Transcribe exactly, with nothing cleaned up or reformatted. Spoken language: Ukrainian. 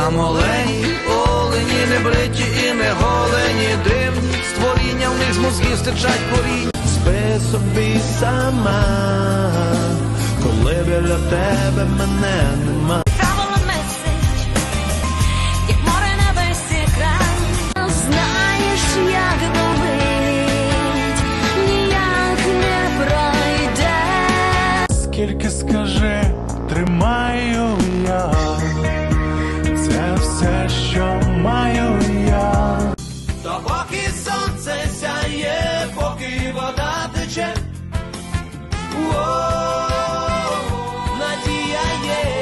Там олені, олені, не бриті і не голені, дивні створіння, в них з мозгів стичать коріння. Спи собі сама, коли біля тебе мене нема. Правила меседж, як море на весь екран. Знаєш, як болить, ніяк не пройде. Скільки, скажи, тримаю я.